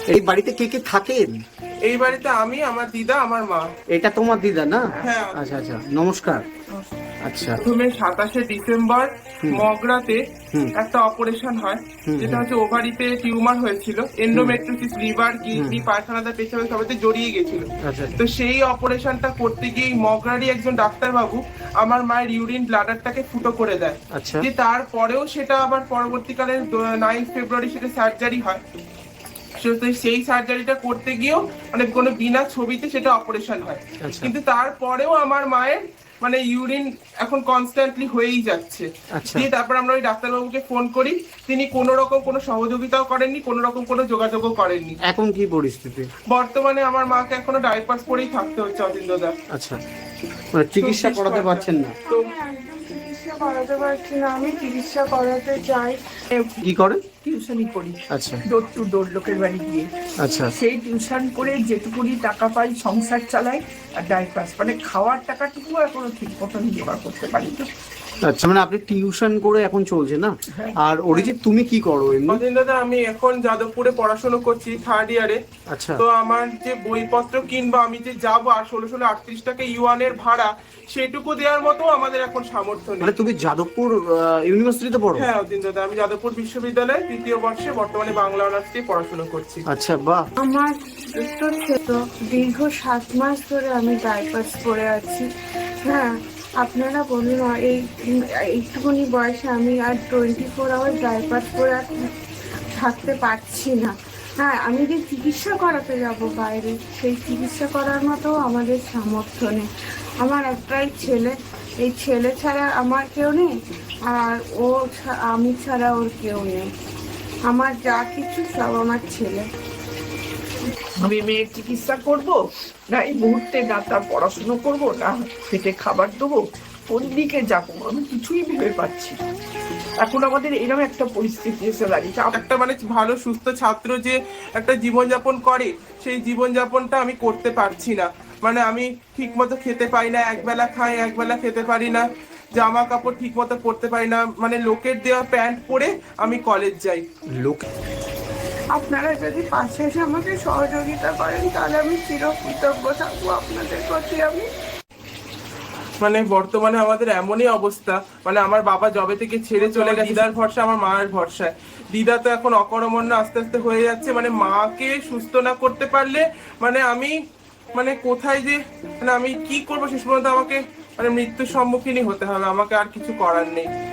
এই বাড়িতে কে কে থাকেন? এই বাড়িতে আমি, আমার দিদা, আমার মা। এটা তোমার দিদা না? হ্যাঁ। আচ্ছা আচ্ছা, নমস্কার। আচ্ছা। প্রথমে 27শে ডিসেম্বর মগরাতে হুম। একটা অপারেশন হয়, হুম, যেটা হুম। হচ্ছে ওভারিতে টিউমার হয়েছিল, এন্ডোমেট্রিওসিস, লিভার, কিডনি, পায়খানাতে, পেছনে সবাইতে জড়িয়ে গেছিল। আচ্ছা তো সেই অপারেশনটা করতে গিয়ে মগরারই একজন ডাক্তারবাবু আমার মায়ের ইউরিন ব্লাডারটাকে ফুটো করে দেয়। আচ্ছা। যে তারপরেও সেটা আবার পরবর্তীকালে 9 ফেব্রুয়ারি সেটা সার্জারি হয়। তো সেই সার্জারিটা করতে গিয়েও মানে কোনো বিনা ছবিতে সেটা অপারেশন হয়। আচ্ছা। কিন্তু তারপরেও আমার মায়ের মানে ইউরিন এখন কনস্ট্যান্টলি হয়েই যাচ্ছে। আচ্ছা। দিয়ে তারপর আমরা ওই ডাক্তারবাবুকে ফোন করি, তিনি কোনো রকম কোনো সহযোগিতাও করেননি, কোনো রকম কোনো যোগাযোগও করেননি। এখন কি পরিস্থিতি? বর্তমানে আমার মাকে এখনো ডাইপার্স পরেই থাকতে হচ্ছে অতীন্দ্রদা। আচ্ছা, মানে চিকিৎসা করাতে পারছেন না? তো চিকিৎসা করাতে পারছি না, আমি চিকিৎসা করাতে চাই। কি করে? টিউশনই করি, আচ্ছা ডোর টু ডোর লোকের বাড়ি গিয়ে। আচ্ছা। সেই টিউশন করে যেটুকুনি টাকা পাই সংসার চালাই, আর ডাইপার্স মানে খাওয়ার টাকাটুকু এখনো ঠিক মতন জোগাড় করতে পারি না। আচ্ছা, মানে আপনি টিউশন করে এখন চলছে না? আর অরিজিৎ তুমি কি করো এমনি? অতীন্দ্রদা আমি এখন যাদবপুরে পড়াশোনা করছি, 3rd ইয়ারে। আচ্ছা। তো আমার যে বইপত্র কিনবো, আমি যে যাবো আর 1638 টাকা ইউয়ানের ভাড়া, সেটুকু দেওয়ার মতো আমাদের এখন সামর্থ্য নেই। মানে তুমি যাদবপুর ইউনিভার্সিটিতে পড়ো? হ্যাঁ অতীন্দ্রদা, আমি যাদবপুর বিশ্ববিদ্যালয়ে 3য় বর্ষে বর্তমানে বাংলা অনার্স নিয়ে পড়াশোনা করছি। আচ্ছা, বাহ। আমার উত্তর থেকে দীর্ঘ 7 মাস ধরে আমি ডাইপার্স পরে আছি। হ্যাঁ, আপনারা বলুন, এইটুকুনি বয়সে আমি আর 24 আওয়ার ডাইপার্স পরে আর থাকতে পারছি না। হ্যাঁ, আমি যে চিকিৎসা করাতে যাব বাইরে, সেই চিকিৎসা করার মতো আমাদের সামর্থ্য নেই। আমার একটাই ছেলে, এই ছেলে ছাড়া আমার কেউ নেই, আর আমি ছাড়া ওর কেউ নেই। আমার যা কিছু সব আমার ছেলে। আমি মেয়ের চিকিৎসা করব, না এই মুহূর্তে না তার পড়াশুনো করব, না পেটে খাবার দেবো, কোন দিকে যাবো আমি কিছুই ভেবে পাচ্ছি না। এখন আমাদের এরকম একটা পরিস্থিতি এসে দাঁড়িয়েছে। একটা মানে ভালো সুস্থ ছাত্র যে একটা জীবনযাপন করে, সেই জীবনযাপনটা আমি করতে পারছি না। মানে আমি ঠিক মতো খেতে পাই না, একবেলা খাই, একবেলা খেতে পারি না, জামা কাপড় ঠিক মতো পরতে পারি না, মানে লোকের দেওয়া প্যান্ট পরে আমি কলেজ যাই। লোক আপনারা যদি পাশে এসে আমাকে সহযোগিতা করেন, তাহলে আমি চিরকৃতজ্ঞ থাকবো আপনাদের প্রতি। আমি মানে বর্তমানে আমাদের এমনই অবস্থা, মানে আমার বাবা জবে থেকে ছেড়ে চলে গেছে, দিদার ভরসা, আমার মায়ের ভরসায়। দিদা তো এখন অকর্মণ্য আস্তে আস্তে হয়ে যাচ্ছে, মানে মাকে সুস্থ না করতে পারলে মানে আমি মানে কোথায় যে মানে আমি কি করবো শেষ পর্যন্ত আমাকে মানে মৃত্যুর সম্মুখীনই হতে হবে, আমাকে আর কিছু করার নেই।